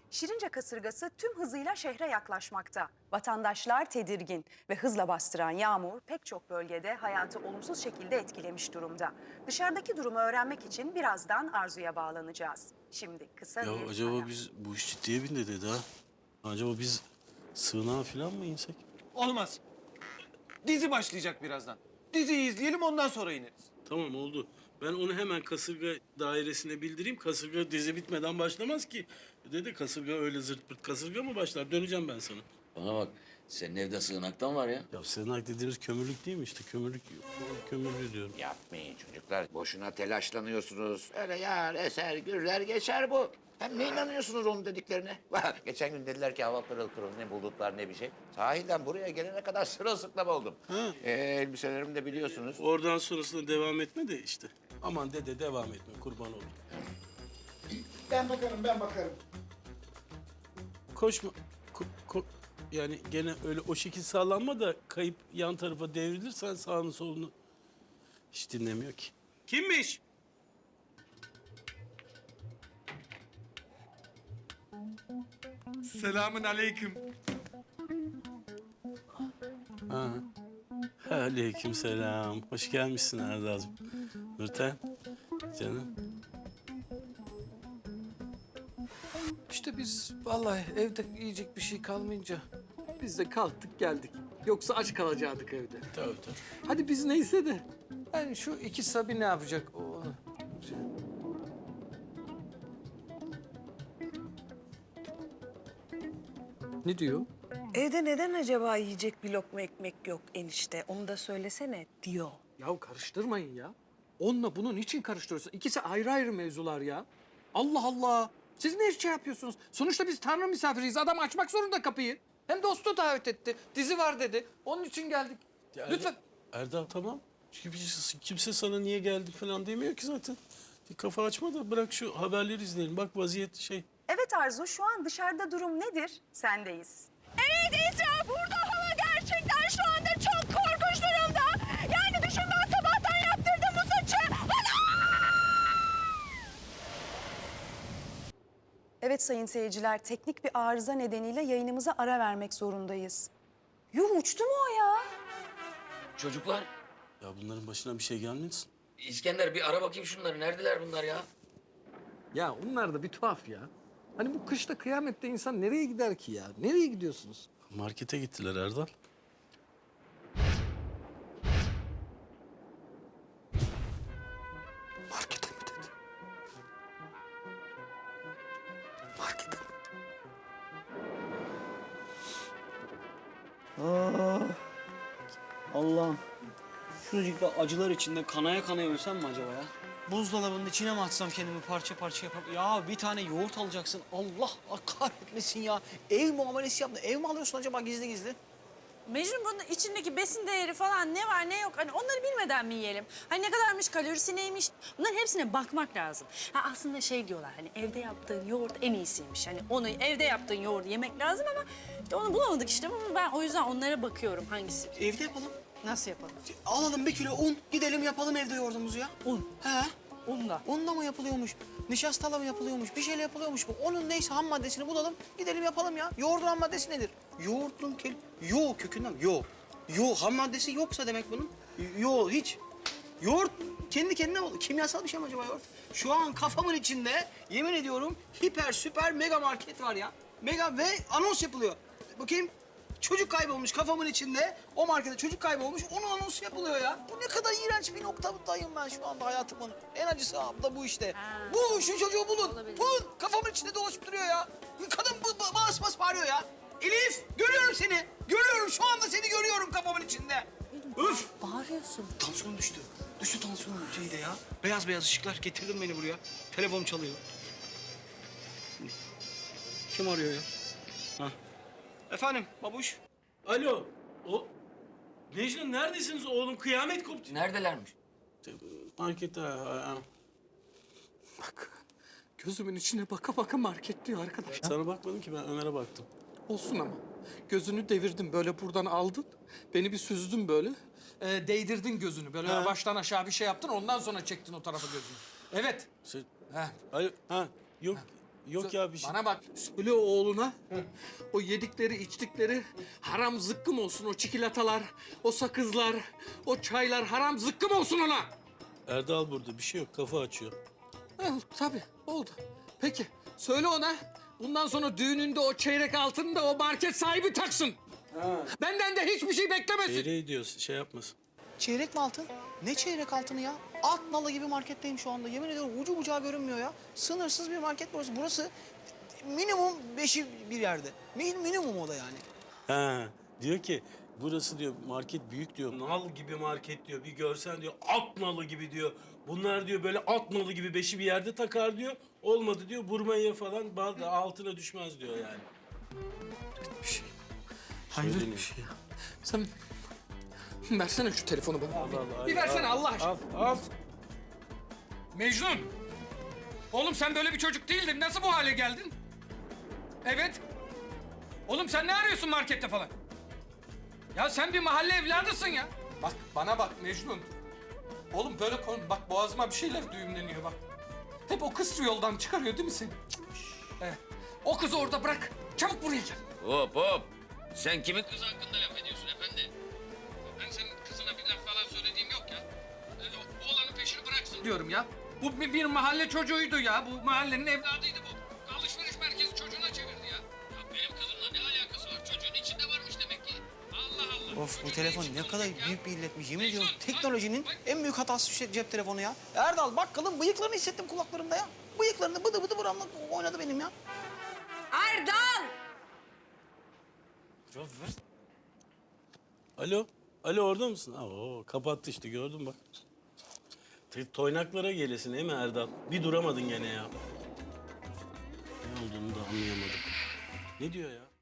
Şirince kasırgası tüm hızıyla şehre yaklaşmakta. Vatandaşlar tedirgin ve hızla bastıran yağmur pek çok bölgede hayatı olumsuz şekilde etkilemiş durumda. Dışarıdaki durumu öğrenmek için birazdan Arzu'ya bağlanacağız. Şimdi kısa Ya bir acaba ara. biz bu iş ciddiye bindi dedi ha. Acaba biz sığınağa falan mı insek? Olmaz. Dizi başlayacak birazdan. Diziyi izleyelim ondan sonra ineriz. Tamam oldu. Ben onu hemen kasırga dairesine bildireyim. Kasırga dizi bitmeden başlamaz ki. Dedi kasırga öyle zırt pırt kasırga mı başlar? Döneceğim ben sana. Bana bak, senin evde sığınaktan var ya. Ya sığınak dediğimiz kömürlük değil mi işte? Kömürlü diyorum. Yapmayın çocuklar. Boşuna telaşlanıyorsunuz. Öyle yağar, eser, gürler geçer bu. Hem ne inanıyorsunuz onun dediklerine? Geçen gün dediler ki hava pırıl pırıl, ne bulutlar ne bir şey. Sahilden buraya gelene kadar sırılsıklam oldum. Ha. Elbiselerimi de biliyorsunuz. Oradan sonrasında devam etme de işte. Aman dede devam etme kurban olayım. Ben bakarım. Koşma. Yani gene öyle o şekil sağlanma da kayıp yan tarafa devrilirsen sağını solunu hiç dinlemiyor ki. Kimmiş? Selamün aleyküm. Ha. Aleykümselam. Hoş gelmişsin Erdal'cığım. Nurten, canım. İşte biz vallahi evde yiyecek bir şey kalmayınca biz de kalktık geldik. Yoksa aç kalacaktık evde. Tabii. Hadi biz neyse de. Yani şu iki Sabi ne yapacak onu? Ne diyor? Evde neden acaba yiyecek bir lokma ekmek yok enişte? Onu da söylesene diyor. Ya karıştırmayın ya. Onunla bunun için karıştırıyorsun? İkisi ayrı ayrı mevzular ya. Allah Allah. Siz ne şey yapıyorsunuz? Sonuçta biz Tanrı misafiriyiz. Adam açmak zorunda kapıyı. Hem dostu davet etti. Dizi var dedi. Onun için geldik. Ya Lütfen. Erdal tamam. Çünkü kimse sana niye geldik falan demiyor ki zaten. Bir kafa açma da bırak şu haberleri izleyelim. Bak vaziyet şey. Evet Arzu, şu an dışarıda durum nedir? Sendeyiz. Evet Esra, burada hava gerçekten şu anda çok korkunç durumda. Yani düşün, ben sabahtan yaptırdım bu saçı. Evet sayın seyirciler, teknik bir arıza nedeniyle yayınımıza ara vermek zorundayız. Yuh, uçtu mu o ya? Çocuklar, Ya bunların başına bir şey gelmesin. İskender bir ara bakayım şunları. Neredeler bunlar ya? Ya onlar da bir tuhaf ya. Hani bu kışta kıyamette insan nereye gider ki ya? Nereye gidiyorsunuz? Markete gittiler Erdal. Markete mi dedi? Markete mi? Allah'ım. Şuracıkta acılar içinde kanaya kanaya ölsem mi acaba ya? Buzdolabının içine mi atsam kendimi parça parça yapıp... Ya bir tane yoğurt alacaksın. Allah kahretmesin ya. Ev muamelesi yaptın. Ev mi alıyorsun acaba gizli gizli? Mecnun, bunun içindeki besin değeri falan ne var ne yok, hani onları bilmeden mi yiyelim? Hani ne kadarmış, kalorisi neymiş? Bunların hepsine bakmak lazım. Ha, aslında şey diyorlar, hani evde yaptığın yoğurt en iyisiymiş. Hani onu evde yaptığın yoğurdu yemek lazım ama işte onu bulamadık işte, ama ben o yüzden onlara bakıyorum hangisi. Evde yapalım. Nasıl yapalım? Alalım 1 kilo un. Gidelim yapalım evde yoğurdumuzu ya. Un. He. Unla. Unla mı yapılıyormuş? Nişastayla mı yapılıyormuş? Bir şeyle yapılıyormuş bu. Onun neyse ham maddesini bulalım. Gidelim yapalım ya. Yoğurdun ham maddesi nedir? Yoğurdun Yo kökünden. Yo ham maddesi yoksa demek bunun. Yo hiç. Yoğurt kendi kendine oldu. Kimyasal bir şey mi acaba yoğurt? Şu an kafamın içinde yemin ediyorum hiper süper mega market var ya. Mega ve anons yapılıyor. Bakayım. Çocuk kaybolmuş kafamın içinde. O markete çocuk kaybolmuş. Onun anonsu yapılıyor ya. Bu ne kadar iğrenç bir noktadayım ben şu anda hayatımın. En acısı da bu işte. Bu şu çocuğu bulun. Bulun. Kafamın içinde dolaşıp duruyor ya. Kadın bas bas bağırıyor ya. Elif görüyorum seni. Görüyorum şu anda seni görüyorum kafamın içinde. Öf. Bağırıyorsun. Tansiyonum düştü. Düştü tansiyonum şeyde ya. Beyaz beyaz ışıklar getirdin beni buraya. Telefonum çalıyor. Kim arıyor ya? Ha. Efendim babuş. Alo. Mecnun neredesiniz oğlum? Kıyamet koptu. Neredelermiş? Markete. Bak gözümün içine baka baka market diyor arkadaş. Sana bakmadım ki ben Ömer'e baktım. Olsun ama. Gözünü devirdim böyle buradan aldın. Beni bir süzdün böyle. Değdirdin gözünü. Böyle Ha. baştan aşağı bir şey yaptın ondan sonra çektin o tarafa gözünü. Evet. Şey, Ha. Alo, yok Yok ya bir şey. Bana bak, söyle oğluna. O yedikleri, içtikleri haram zıkkım olsun. O çikolatalar, o sakızlar, o çaylar haram zıkkım olsun ona. Erdal burada bir şey yok kafa açıyor. Tabii, oldu. Peki, söyle ona. Bundan sonra düğününde o çeyrek altını da o market sahibi taksın. Benden de hiçbir şey beklemesin. Çeyreği diyorsun şey yapmasın. Çeyrek mi altın? Ne çeyrek altını ya? At nalı gibi marketteyim şu anda. Yemin ediyorum ucu bucağı görünmüyor ya. Sınırsız bir market burası. Burası minimum 5'i bir yerde. Minimum o da yani. Ha, diyor ki burası diyor market büyük diyor. Nal gibi market diyor. Bir görsen diyor at nalı gibi diyor. Bunlar diyor böyle at nalı gibi beşi bir yerde takar diyor. Olmadı diyor vurmaya falan altına düşmez diyor yani. Bir şey. Hayret Söyleniyor. bir şey ya. Sen versene şu telefonu bana. Allah Allah. Bir versene Allah aşkına. Al. Mecnun! Oğlum sen böyle bir çocuk değildin. Nasıl bu hale geldin? Evet. Oğlum sen ne arıyorsun markette falan? Ya sen bir mahalle evladısın ya. Bak bana bak Mecnun. Oğlum böyle konu. Bak boğazıma bir şeyler düğümleniyor bak. Hep o kız yoldan çıkarıyor değil mi seni? Evet. O kızı orada bırak. Çabuk buraya gel. Hop hop. Sen kimin kızı hakkında laf ediyorsun efendi? Ben senin kızına bir laf falan söylediğim yok ya. Oğlanın peşini bıraksın diyorum ya. Bu bir mahalle çocuğuydu ya. Bu mahallenin evladıydı bu. Alışveriş merkezi çocuğuna çevirdi ya. Ya benim kızımla ne alakası var? Çocuğun içinde varmış demek ki. Allah Allah. Of bu telefon ne kadar büyük bir illetmiş. Yemin ediyorum teknolojinin en büyük hatası şu cep telefonu ya. Erdal bakkalın bıyıklarını hissettim kulaklarımda ya. Bıyıklarını bıdı bıdı buramla oynadı benim ya. Erdal! Alo. Alo orada mısın? Kapattı işte gördün bak. Toynaklara gelesin değil mi Erdal? Bir duramadın gene ya. Ne olduğunu da anlayamadım. Ne diyor ya?